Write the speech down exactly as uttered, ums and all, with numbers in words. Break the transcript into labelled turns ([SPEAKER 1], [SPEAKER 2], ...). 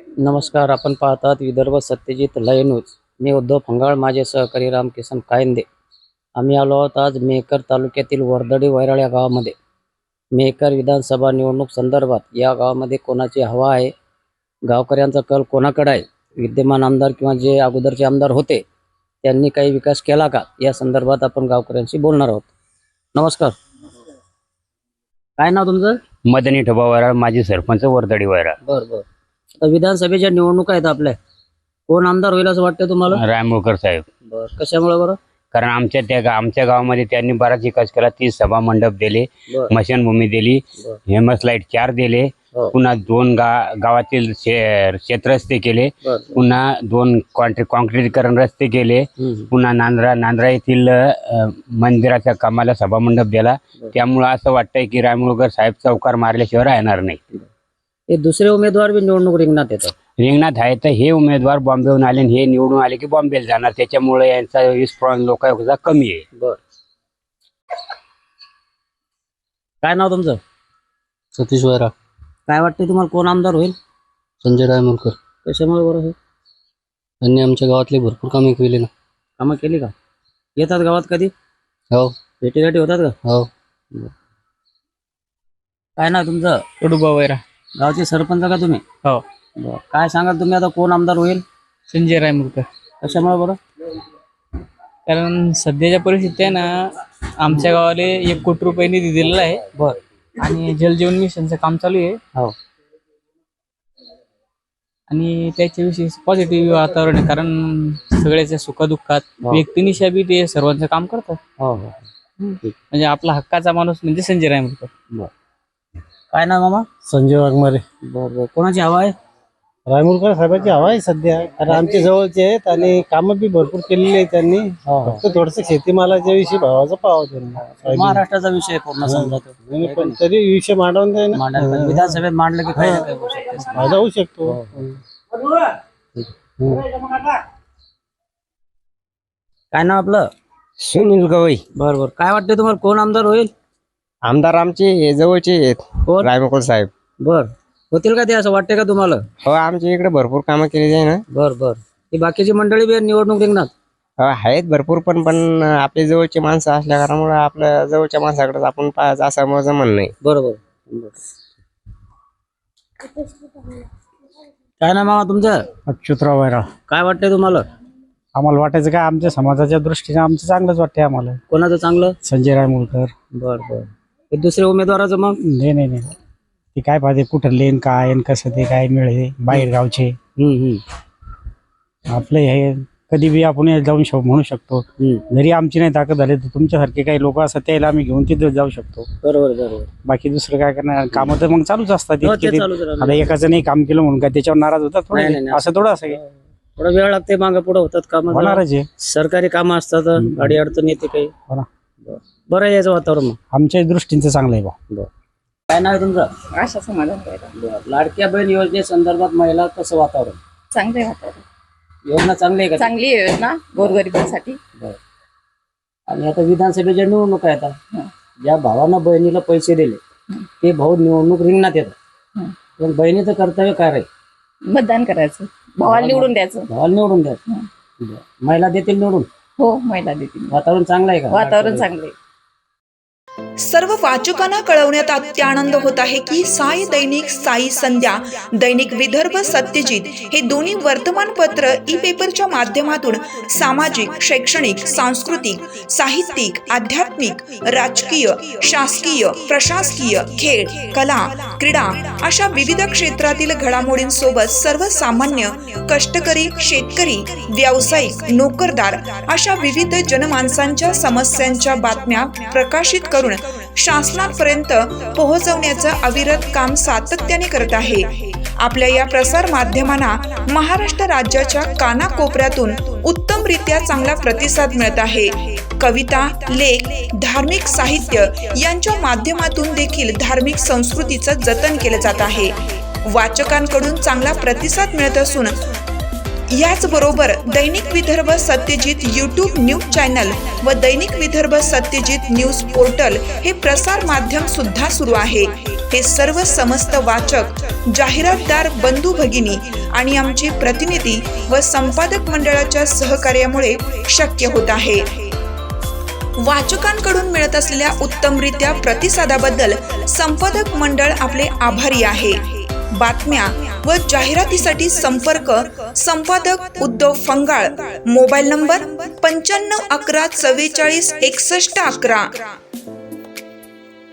[SPEAKER 1] नमस्कार, आपण पाहतात विदर्भ सत्यजित लाईव्ह न्यूज. मी उद्धव फंगाळ, माझे सहकारी रामकिसन कायंदे. आम्ही आलो आहोत आज मेहकर तालुक्यातील वर्दडी वैराळ या गावामध्ये. मेहकर विधानसभा निवडणूक संदर्भात या गावामध्ये कोणाची हवा आहे, गावकऱ्यांचा कल कोणाकडे आहे, विद्यमान आमदार किंवा जे अगोदरचे आमदार होते त्यांनी काही विकास केला का, या संदर्भात आपण गावकऱ्यांशी बोलणार आहोत. नमस्कार, काय नाव तुमचं?
[SPEAKER 2] मदनी ठोबा वैराळ, माजी सरपंच वर्दडी वैराळ.
[SPEAKER 1] बरं बरं. आता विधानसभेच्या निवडणुका आहेत आपल्या, कोण आमदार होईल असं वाटतं तुम्हाला?
[SPEAKER 2] रायमुळकर साहेब.
[SPEAKER 1] बरं, कशामुळे बरं?
[SPEAKER 2] कारण आमच्या त्या गा- आमच्या गावामध्ये त्यांनी बराच विकास केला. तीस सभा मंडप दिले,
[SPEAKER 1] बरं
[SPEAKER 2] स्मशानभूमी दिली,
[SPEAKER 1] बरं.
[SPEAKER 2] हेमस लाईट चार दिले,
[SPEAKER 1] हो.
[SPEAKER 2] पुन्हा दोन गा गावातील शे- शेतरस्ते केले,
[SPEAKER 1] बरं.
[SPEAKER 2] पुन्हा दोन कॉन्ट्री कॉन्क्रीटीकरण रस्ते केले,
[SPEAKER 1] हम्म.
[SPEAKER 2] पुन्हा नांद्रा नांद्रा येथील अ, मंदिराच्या कामाला सभामंडप दिला.
[SPEAKER 1] बरं.
[SPEAKER 2] त्यामुळं असं वाटतंय की रायमुळकर साहेब चौकार मारल्याशिवाय राहणार नाही.
[SPEAKER 1] हे दुसरे उमेदवार बी निवडणूक रिंगणात येतात.
[SPEAKER 2] रिंगणात आहे तर हे उमेदवार बॉम्बेहून आले आणि हे निवडून आले की बॉम्बेला जाणार, त्याच्यामुळे यांचा रिस्पॉन्स लोकांचा कमी आहे.
[SPEAKER 1] बर, काय नाव तुमचं?
[SPEAKER 3] सतीश वैरा.
[SPEAKER 1] काय वाटतं तुम्हाला, कोण आमदार होईल?
[SPEAKER 3] संजय रायमुळकर.
[SPEAKER 1] कशामुळे बरं? हे
[SPEAKER 3] त्यांनी आमच्या गावातले भरपूर कामे केली ना.
[SPEAKER 1] कामं केली का? येतात गावात कधी?
[SPEAKER 3] हो
[SPEAKER 1] भेटीगाठी होतात का?
[SPEAKER 3] हो.
[SPEAKER 1] काय नाव तुमचं?
[SPEAKER 4] कडुबा वैरा.
[SPEAKER 1] गावचे सरपंच का तुम्ही?
[SPEAKER 4] हो.
[SPEAKER 1] बरं. काय सांगाल तुम्ही, आता कोण आमदार होईल?
[SPEAKER 4] संजय रायमुळकर.
[SPEAKER 1] कशामुळे बरं?
[SPEAKER 4] कारण सध्याच्या परिस्थितीत आहे ना, आमच्या गावाला एक कोटी रुपये निधी दिलेला आहे.
[SPEAKER 1] बर.
[SPEAKER 4] आणि जलजीवन मिशनचं काम चालू आहे.
[SPEAKER 1] हो.
[SPEAKER 4] आणि त्याच्याविषयी पॉझिटिव्ह वातावरण आहे, कारण सगळ्याच्या सुखदुःखात
[SPEAKER 1] हो.
[SPEAKER 4] व्यक्तिनिशा बी ते सर्वांचं काम करतात.
[SPEAKER 1] हो हो.
[SPEAKER 4] म्हणजे आपला हक्काचा माणूस म्हणजे संजय रायमुळकर.
[SPEAKER 1] बर. काय नाव मामा?
[SPEAKER 3] संजय वाघमारे.
[SPEAKER 1] बरं बरं. कोणाची हवा आहे?
[SPEAKER 3] रायमुळकर साहेबांची हवा आहे सध्या, कारण आमचे जवळचे आहेत आणि कामं बी भरपूर केलेली आहेत त्यांनी. फक्त थोडस शेतीमालाच्या विषयी भावाचा पाव त्यांनी.
[SPEAKER 1] महाराष्ट्राचा विषय पूर्ण समजा तो.
[SPEAKER 3] नाही, पण तरी विषय मांडवून द्या ना.
[SPEAKER 1] मांडायला पाहिजे. विधानसभेत मांडलं की काही ना काही होऊ शकते.
[SPEAKER 3] फायदा होऊ शकतो.
[SPEAKER 1] काय नाव आपलं?
[SPEAKER 2] सुनील गवई.
[SPEAKER 1] बरं बरं. काय वाटतं तुम्हाला, कोण आमदार होईल?
[SPEAKER 2] आमदार आमचे जवळचे आहेत,
[SPEAKER 1] कोण?
[SPEAKER 2] रायमुळकर साहेब.
[SPEAKER 1] बर, होतील का ते, असं वाटते का तुम्हाला?
[SPEAKER 2] हो, आमच्या इकडे भरपूर कामं केली आहे ना.
[SPEAKER 1] बर बर. ही बाकीची मंडळी बी निवडणूक रिंगणात
[SPEAKER 2] हो, आहेत भरपूर, पण पण आपले जवळचे माणसं असल्या कारणामुळे आपल्या जवळच्या माणसाकडे आपण पाहायचं असं माझं म्हणणं आहे.
[SPEAKER 1] बरोबर. काय नाव मामा तुमचं?
[SPEAKER 3] अच्युतराव वैरा.
[SPEAKER 1] काय वाटतंय तुम्हाला?
[SPEAKER 3] आम्हाला वाटायचं काय, आमच्या समाजाच्या दृष्टीने आमचं चांगलंच वाटतंय आम्हाला.
[SPEAKER 1] कोणाचं चांगलं?
[SPEAKER 3] संजय रायमुळकर.
[SPEAKER 1] बर बर. हे दुसऱ्या उमेदवाराचं मग?
[SPEAKER 3] नाही नाही नाही, ते काय पाहिजे, कुठं लेन काय आणि कसं ते काय मिळे बाहेर गावचे.
[SPEAKER 1] हम्म हम्म
[SPEAKER 3] आपलं हे कधी बी आपण जाऊन शक म्हणू शकतो.
[SPEAKER 1] हम्म.
[SPEAKER 3] जरी आमची नाही ताकद झाली तर तुमच्यासारखे काही लोक असतात त्याला आम्ही घेऊन तिथे जाऊ शकतो.
[SPEAKER 1] बरोबर बरोबर.
[SPEAKER 3] बाकी दुसरं काय करणार, कामं तर मग चालूच असतात.
[SPEAKER 1] हो,
[SPEAKER 3] इतके
[SPEAKER 1] ते
[SPEAKER 3] ते-
[SPEAKER 1] चालूच राहणार.
[SPEAKER 3] आता एकाचं नाही काम केलं म्हणून काय त्याच्यावर नाराज होतात
[SPEAKER 1] नाही, नाही,
[SPEAKER 3] थोडं,
[SPEAKER 1] नाही.
[SPEAKER 3] असं थोडं असं काही
[SPEAKER 1] थोडा वेळ लागते, मागे पुढे होतात काम.
[SPEAKER 3] होणारच आहे.
[SPEAKER 1] सरकारी कामं असतात, गाडी अडचण येते काही.
[SPEAKER 3] हो ना.
[SPEAKER 1] बरं. बरं आहे याचं वातावरण मग.
[SPEAKER 3] आमच्या दृष्टीचं चांगलं आहे बा.
[SPEAKER 1] बरं. काय नाव आहे तुमचं?
[SPEAKER 5] आशा समाधान करायला
[SPEAKER 1] बरं. लाडक्या बहीण योजनेसंदर्भात महिला कसं वातावरण?
[SPEAKER 5] चांगले वातावरण,
[SPEAKER 1] योजना चांगली आहे का?
[SPEAKER 5] चांगली योजना गोरगरिबांसाठी.
[SPEAKER 1] बरं. आणि आता विधानसभेच्या निवडणुका येतात,
[SPEAKER 5] हं.
[SPEAKER 1] ज्या भावानं बहिणीला पैसे दिले ते भाऊ निवडणूक रिंगणात येतात,
[SPEAKER 5] हं.
[SPEAKER 1] पण बहिणीचं कर्तव्य काय राहील?
[SPEAKER 5] मतदान करायचं, भावाला निवडून द्यायचं.
[SPEAKER 1] भावाला निवडून द्यायचं.
[SPEAKER 5] हं.
[SPEAKER 1] बरं. महिला देतील निवडून?
[SPEAKER 5] हो, महिला देतील.
[SPEAKER 1] वातावरण चांगलं आहे का?
[SPEAKER 5] वातावरण चांगले.
[SPEAKER 6] सर्व वाचकांना कळवण्यात अत्यानंद होत आहे की साई दैनिक, साई संध्या, दैनिक विदर्भ सत्यजित हे दोन्ही वर्तमानपत्र ई पेपरच्या माध्यमातून सामाजिक, शैक्षणिक, सांस्कृतिक, साहित्यिक, आध्यात्मिक, राजकीय, शासकीय, प्रशासकीय, खेळ, कला, क्रीडा अशा विविध क्षेत्रातील घडामोडींसोबत सर्वसामान्य, कष्टकरी, शेतकरी, व्यावसायिक, नोकरदार अशा विविध जनमानसांच्या समस्यांच्या बातम्या प्रकाशित करून शासनापर्यंत पोहोचवण्याचं अविरत काम सातत्याने करत आहे. आपल्या या प्रसार माध्यमांना महाराष्ट्र राज्याच्या कानाकोपऱ्यातून उत्तमरित्या चांगला प्रतिसाद मिळत आहे. कविता, लेख, धार्मिक साहित्य यांच्या माध्यमातून देखील धार्मिक संस्कृतीचं जतन केलं जात आहे. वाचकांकडून चांगला प्रतिसाद मिळत असून याचबरोबर दैनिक Vidarbha Satyajit YouTube news channel व दैनिक विदर्भ सत्यजित न्यूज पोर्टल हे प्रसार माध्यम सुद्धा सुरू आहे. हे सर्व समस्त वाचक, जाहिरातदार बंधू भगिनी आणि आमचे प्रतिनिधी व संपादक मंडळाच्या सहकार्यामुळे शक्य होत आहे. वाचकांकडून मिळत असलेल्या उत्तमरित्या प्रतिसादाबद्दल संपादक मंडळ आपले आभारी आहे. बातम्या व जाहिरातीसाठी संपर्क संपादक उद्धव फंगाळ, मोबाईल नंबर पंच्याण्णव अकरा चव्वेचाळीस एकसष्ट अकरा.